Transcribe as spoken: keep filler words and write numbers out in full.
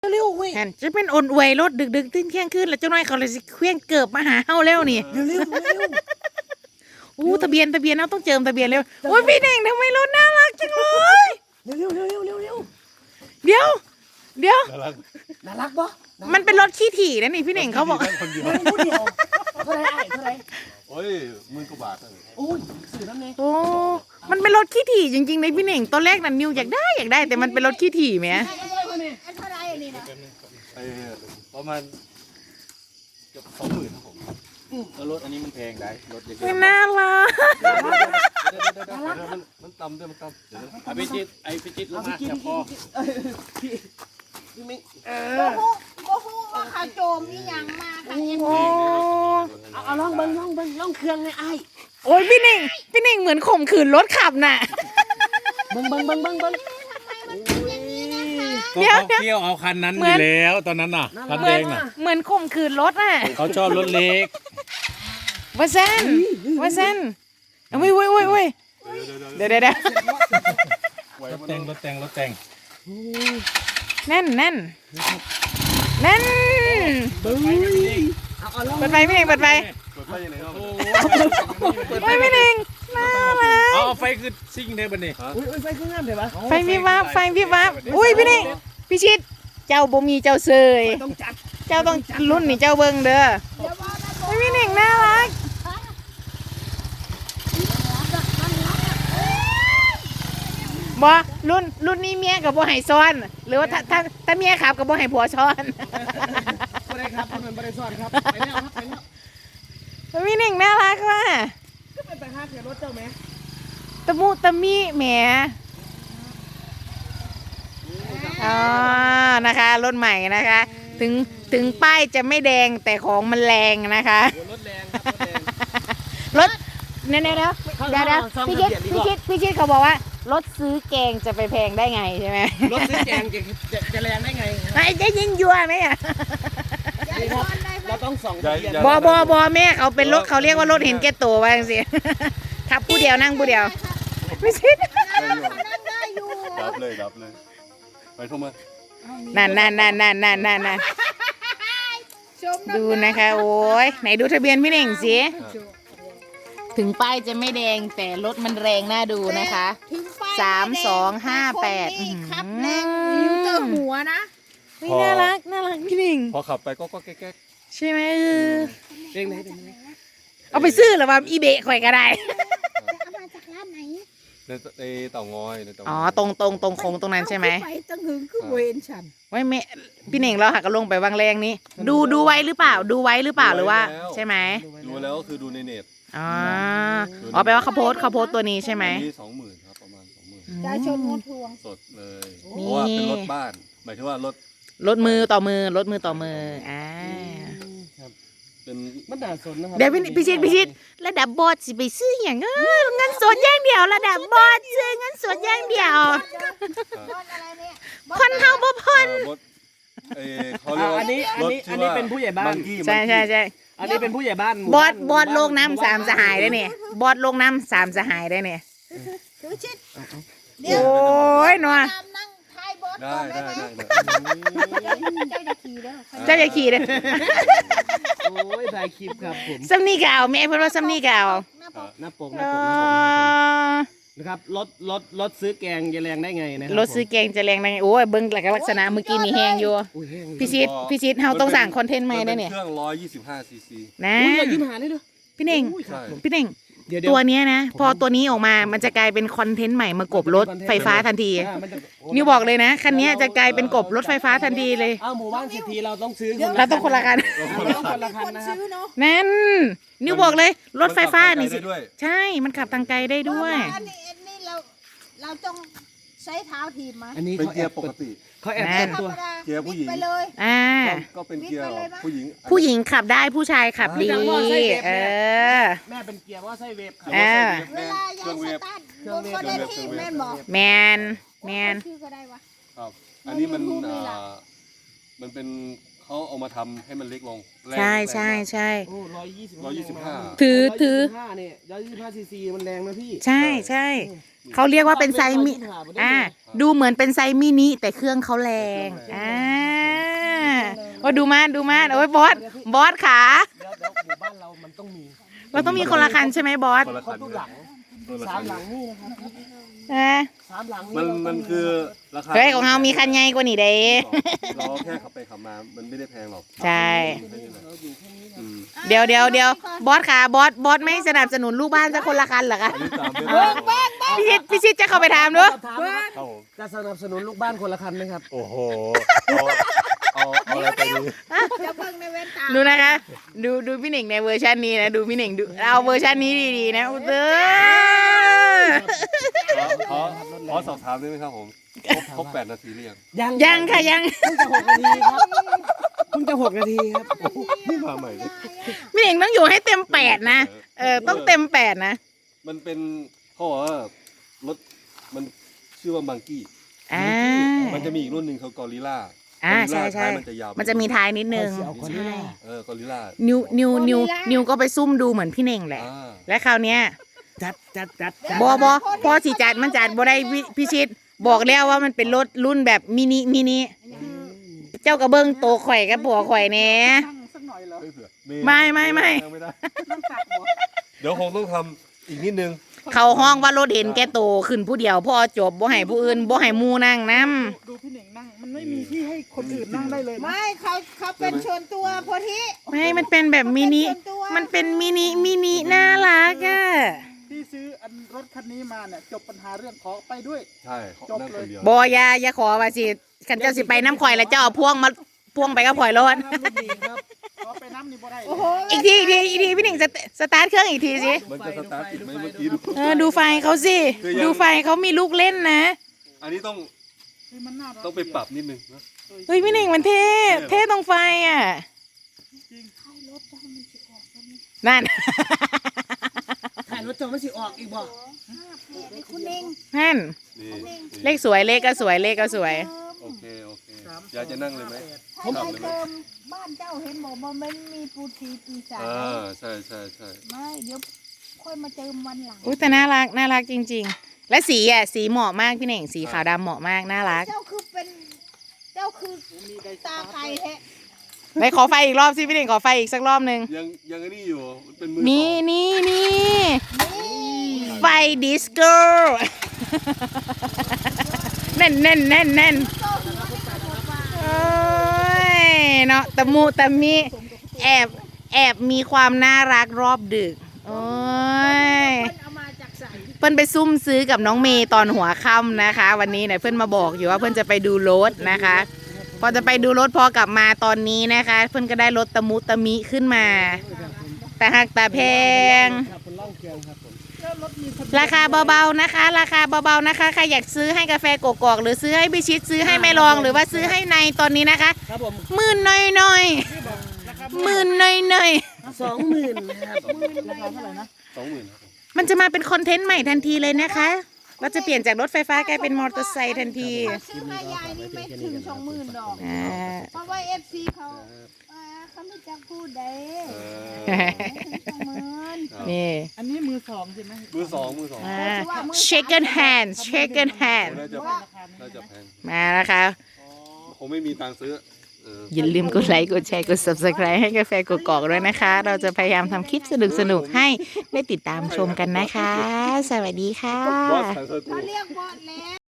เร็วๆเว้ยหันจะเป็นอ่อนอวยรถดึกดึกตื่นเที่ยงคืนแล้วเจ้าน้อยเขาเลยสิเคลื่อนเกิบมาหาเฮาแล้วนี่เร็วๆเร็วอู้ทะเบียนทะเบียนเราต้องเจิมทะเบียนเร็วโอ้ยพี่เน่งทำไมรถน่ารักจังเลยเร็วๆเร็วๆเร็วๆเร็วเดี๋ยวเดี๋ยวๆน่ารักปะมันเป็นรถขี้ถี่นะนี่พี่เน่งเขาบอกคนเดียวคนเดียวเท่าไรไอ้เท่าไรโอ้ยหมื่นกว่าบาทเลยโอ้ยสื่อน้ำเนยโอ้มันเป็นรถขี้ถี่จริงๆในพี่เน่งตอนแรกนั่นนิวอยากได้อยากได้แต่มันเป็นรถขี้ถี่ไหมเท่าไรอันนี้นะไอ้ประมาณเกือบสองหมื่นครับผมแล้วรถอันนี้มันแพงได้รถเยอะไม่น่ารักมันมันต่ำด้วยมันต่ำเดี๋ยวไอพิจิตไอพิจิตลงมาจับคอพี่พี่มิเอโอ้อโหโอ้โหว่าเขาโจมนี่ยังมาค่ะเอ็มโอ้เอาเอาลองเบิ้งลองเบิ้งลองเครื่องเลยไอ้โอ้ยพี่เน่งพี่เน่งเหมือนข่มขืนรถขับน่ะเบิ้งเบิ้งเบิ้งเบิ้งเบิ้งเดี๋ยวเขาเที่ยวเอาคันนั้นอยู่แล้วตอนนั้นน่ะคันเหแดมือนงน่ะเหมือนข่มขืนรถน่ะเขาชอบรถเล็กว่าเซนว่าเซนเอาไว้ไว้ไว้ไว้เดี๋ยวเดี๋ยวเดี๋ยวรถแต่งรถแต่งรถแต่งแน่นแน่นแน่นเบิ้งเอาเอาลองเปิดไฟพี่เน่งเปิดไฟเปิดไฟยังไงครับเปิดไฟพี่เน่งน่ารักเอาไฟคือซิ่งเทบันนี่อุ้ยอุ้ยไฟเครื่องงามเดี๋ยวปะไฟวิบวับไฟวิบวับอุ้ยพี่เน่งพี่ชิดเจ้าบ่มีเจ้าเสยต้องจัดเจ้าต้องรุ่นนี่เจ้าเบิ่งเด้อเฮ้ยพี่เน่งน่ารักบ่รุ่นรุ่นนี้เมียกับบ่ให้ซ้อน หรือว่าถ้าถ้าถ้าเมียขับกับบ่ให้ผัวซ้อนไม่ได้ครับมันไม่ได้ซ่อนครับไปแล้วครับไปแล้วเฮ้ยพี่เน่งน่ารักว่ะก็เป็นแต่ห้าเสียรถเจ้าไหมตะมุตะมิแหมอ๋อนะคะรถใหม่นะคะ ถึงถึงป้ายจะไม่แดงแต่ของมันแรงนะคะรถแรงครับรถแรงรถเดี๋ยวเดี๋ยวเดี๋ยวเดี๋ยวเดี๋ยวพี่ชิดพี่ชิดพี่ชิดเขาบอกว่ารถซื้อแกงจะไปแพงได้ไงใช่ไหมรถซื้อแจงจะจะจะแรงได้ไงไอ้จะยิงยัวไหมอ่ะนี่ครับเราต้องส่องทะเบียนบอบอบอแม่เขาเป็นรถเขาเรียกว่ารถเห็นแก่ตัวว่าจังสิขับผู้เดียวนั่งผู้เดียวไม่ชิดนั่งได้อยู่ดับเลยดับเลยไปโทรมานั่นนั่นนั่นนั่นนั่นนั่นนั่นชมดูนะคะโอ้ยไหนดูทะเบียนพี่เน่งสิถึงป้ายจะไม่แดงแต่รถมันแรงน่าดูนะคะถึงไปสามสองห้าแปดครับแรงนิ้วเจอหัวนะเฮ้ยน่ารักน่ารักพี่เน่งพอขับไปก็ก็แก๊กใช่ไหมเออเร่งไหนเร่งไหนเอาไปซื้อหรือว่าอีเบะข่อยก็ได้เอามาจากร้านไหนในในเต่างอยในเต่างอยอ๋อตรงตรงตรงโค้งตรงนั้นใช่ไหมไปตั้งหึงคือเวรฉันไว้แม่พี่เน่งเราหักกันลงไปวางแรงนี้ ดูดูไว้หรือเปล่า ดูไว้หรือเปล่าหรือว่า ใช่ไหมดูแล้วก็คือดูในเน็ตอ๋ออ๋อแปลว่าเขาโพสต์เขาโพสต์ตัวนี้ใช่ไหมอันนี้สองหมื่นครับประมาณสองหมื่นจะชนงดทวงสดเลยนี่เพราะว่าเป็นรถบ้านหมายถึงว่ารถลดมือต่อมือลดมือต่อมืออ่าเป็นมันด่าสนนะครับเดี๋ยวพี่พิชิตพิชิตระดับบอสสิไปซื้ออย่างเออเงินสดอย่างเดียวระดับบอสซื้อเงินสดอย่างเดียวบอลอะไรเนี่ยคนเฮาบ่พนรถเออเขาเรียกว่าอันนี้อันนี้อันนี้เป็นผู้ใหญ่บ้านกี้ใช่ใช่ใช่อันนี้เป็นผู้ใหญ่บ้านบอสบอสโลกน้ำสามสหายได้เนี่ยบอสโลกน้ำสามสหายได้เนี่ยถือชิดโอ้ยหนัวตามนั่งท้ายบอสได้ก่อนได้ได้ไหมได้เจ้าจะขี่เด้อเจ้าอย่าขี่เลยโอ้ยถ่ายคลิปครับผมซัมนี่เก่าแม่เพิ่นว่าซัมนี่เก่าหน้าปกหน้าปกหเอน้าปกหน้าปกอนะครับรถรถรถซื้อแกงจะแรงได้ไงนะคบรถซื้อแกงจะแรงได้ไงโอ้ยเบิ่งลักษณะเมื่อกี้นี่แห้งอยู่อุ้ยแห้งพี่ชิดพี่ชิดเฮาต้องสั่งคอนเทนต์ใหม่ได้เนี่ยเครื่องร้อยยี่สิบห้าซีซีนะอุ้ยอย่ายิ้มหาเลยเด้อพี่เน่งอุ้ยครับผมพี่เน่งเดี๋ยวเดี๋ยตัวเนี้ยนะ พอตัวนี้ออกมามันจะกลายเป็นคอนเทนต์ใหม่มากบรถไฟฟ้าทันทีอ่ามันจะโนิวบอกเลยนะคันนี้จะกลายเป็นกบรถไฟฟ้าทันทีเลยอ้าวหมู่บ้านเศรษฐีเราต้องซื้อเราต้องคนละคันเราต้องคนละคันคนนะครับซื้อเนาะนั่นนิวบอกเลยรถไฟฟ้านี่สิได้ด้วยใช่มันขับทางไกลได้ด้วยอันนี้อันนี้เราเราต้องใช้เท้าถีบมาอันนี้เป็นเขาเกีแอย บร์ปกติเขาแอบแน่เปิดธรตัวรมดาเกียร์ผู้หญิงไปเลยอ่าก็เป็นเกียร์ผู้หญิงผู้หญิงขับได้ผู้ชายขับดีเออแม่เป็นเกียร์ว่าไส้เวฟครับอ่าเวลายายสตาร์ทรถก็ได้ที่แม่นบอกแมนแมนชื่อก็ได้วะครับ อันนี้มันมันมีอ่ารูปมันเป็นเขาเอามาทำให้มันเล็กลงแรงใช่ใช่แรงมากใช่โอ้ร้อยยี่สิบร้อยยี่สิบห้าถือถือห้าเนี่ยร้อยยี่สิบห้าซีซีมันแรงนะพี่ใช่ใช่เขาเรียกว่าเป็นไซส์มิอ่าดูเหมือนเป็นไซส์มินิแต่เครื่องเขาแรงอ่ายดูมาดูมาโอ้ยบอสบอสขาเดี๋ยวเดี๋ยวหมู่บ้านเรามันต้องมีเราต้องมีคนละคันใช่ไหมบอสคนละเขาคันตู้หลังคนละสาคัมนหลังนี่นะครับเออสามหลังมันมันคือราคาเฮ้ยของเรามีคันใหญ่กว่านี่เด้เราแค่ขับไปขับมามันไม่ได้แพงหรอกใช่อืมเดี๋ยวเดี๋ยวเดี๋ยวบอสขาบอสบอสไม่สนับสนุนลูกบ้านจะคนละคันเหรอคะอันนี้ตามไม่ได้พี่ชิดพี่ชิดจะเข้าไปถามด้วยถามนะครับครับผมจะสนับสนุนลูกบ้านคนละคันไหมครับโอ้โหเอาเอาเอาอะไรไปดีจะเบิ่งในเว้นตาดูนะคะ ดูดูพี่หนิงในเวอร์ชันนี้นะดูพี่หนิงดูเอาเวอร์ชันนี้ดีๆนะอุยเตอขอขอขอสอบถามได้ไหมครับผมครบครบแปดนาทีหรือยังยังยังค่ะยังเพิ่งจะหกนาทีครับเพิ่งจะหกนาทีครับนี่มาใหม่เลยพี่หนิงต้องอยู่ให้เต็มแปดนะเออต้องเต็มแปดนะมันเป็นเขาบอกว่ารถมันชื่อว่ามังกี้อ่ามันจะมีอีกรุ่นหนึ่งเขากอริล่าอ่าใช่ใช่มันจะยาวมันจะมีท้ายนิดนึงเอาคนนี้ใช่ล่ะเออกอริล่านิวนิวนิวนิวก็ไปซุ่มดูเหมือนพี่เน่งแหละอ่าและคราวเนี้ยจัดจัดจัดจัดบอบอพอสิจัดมันจัดบ่ได้วิพิชิต บอกแล้วว่ามันเป็นรถรุ่นแบบมินิมินิเจ้ากระเบื้องโตข่อยกับผัวข่อยแหน่สักหน่อยเหรอไม่เผื่อไม่ไม่ไม่ไม่ได้เดี๋ยวคงต้องทำอีกนิดนึงเขาห้องว่ารถเห็นแกโตขึ้นผู้เดียวพอจบบ่ให้ผู้อื่นบ่ให้หมู่นั่งนํดูพี่หนิงนั่ง มันไม่มีที่ให้คนอื่นนั่งได้เลยนะไม่เขาเขาเป็นชวนตัวโพธิไม่มันเป็นแบบมินิมันเป็นมินิมินิน่ารักอ่ะที่ซื้ออันรถคันนี้มาเนี่ยจบปัญหาเรื่องขอไปด้วยใช่นั่งคนเดียวบ่อย่าอย่าขอว่าสิคันเจ้าสิไปน้ำข่อยแล้วเจ้าเอาพวงมาพวงไปกับข่อยรถขอไปน้ำนี่บ่ได้เลยโอ้โหอีกทีอีกทีอีกทีพี่หนิงสตสตาร์ทเครื่องอีกทีสิมันจะสตาร์ทติดไหมเมื่อกี้ดูเออดูไฟเขาสิคือยังดูไฟเขามีลูกเล่นนะอันนี้ต้องคือมันน่ารักต้องไปปรับนิดนึงนะเฮ้ยพี่หนิงมันเท่เท่ตรงไฟอ่ะนั่นถ่ายรถจอไม่สิออกอีกบ่ไอ้คุณเองนั่นนี่เลขสวยเลขก็สวยเลขก็สวยโอเคโอเคอยากจะนั่งเลยไหมถ้าไปเติมบ้านเจ้าเห็นบอกว่ามันมีปูทีปีศาจอ่าใช่ใช่ใช่ไม่เดี๋ยวค่อยมาเติมวันหลังอุ้ยแต่น่ารักน่ารักจริง ๆ และสีอ่ะสีเหมาะมากพี่หนิงสีขาวดำเหมาะมากน่ารักเจ้าคือเป็นเจ้าคือตาไก่แท้ไหนขอไฟอีกรอบสิพี่หนิงขอไฟอีกสักรอบหนึ่งยังยังไอ้นี่อยู่มันเป็นมือนี่สองนี่นี่ไฟดิสโก้ แน่นแน่นแน่นแน่นโอ้ยเนาะตะมูตะมีแอบแอบมีความน่ารักรอบดึกโอ้ยเอามาจากใส่เพื่อนไปซุ่มซื้อกับน้องเมย์ตอนหัวค่ำนะคะ วันนี้เนี่ยเพื่อนมาบอกอยู่ว่าเพื่อนจะไปดูรถนะคะ พอจะไปดูรถพอกลับมาตอนนี้นะคะ เพื่อนก็ได้รถตะมุตะมิขึ้นมา แต่หักแต่แพงครับคนล่องเกียงครับผมราคาเบาๆนะคะ ราคาเบาๆนะคะใครอยากซื้อให้กาแฟกกอกหรือซื้อให้พิชิตซื้อให้แม่รองหรือว่าซื้อให้ในตอนนี้นะคะครับผมหมื่นหน่อยๆหมื่นหน่อยสองหมื่นนะครับราคาเท่าไหร่นะสองหมื่นครับผมๆมันจะมาเป็นคอนเทนต์ใหม่ทันทีเลยนะคะเราจะเปลี่ยนจากรถไฟฟ้ากลายเป็นมอเตอร์ไซค์ทันทีซื้อให้ยายนี่ไม่ถึงสองหมื่นดอกอ่าเพราะว่าเอฟซีเขาอ่าเขาไม่จะพูดเด้เอสองหมื่นอนี่อันนี้มือสองใช่ไหมมือสองมือสองอ่า second hand second hand น่าจะน่าจะแพงมานะคะคงไม่มีตังค์ซื้อเอออย่าลืมกดไลค์กดแชร์กด subscribe ให้กาแฟกกอกด้วยนะคะ เราจะพยายามทำคลิปสนุกๆให้ได้ติดตามชมกันนะคะ สวัสดีค่ะบอสขายเสื้อกูเขาเรียกบอดแล้ว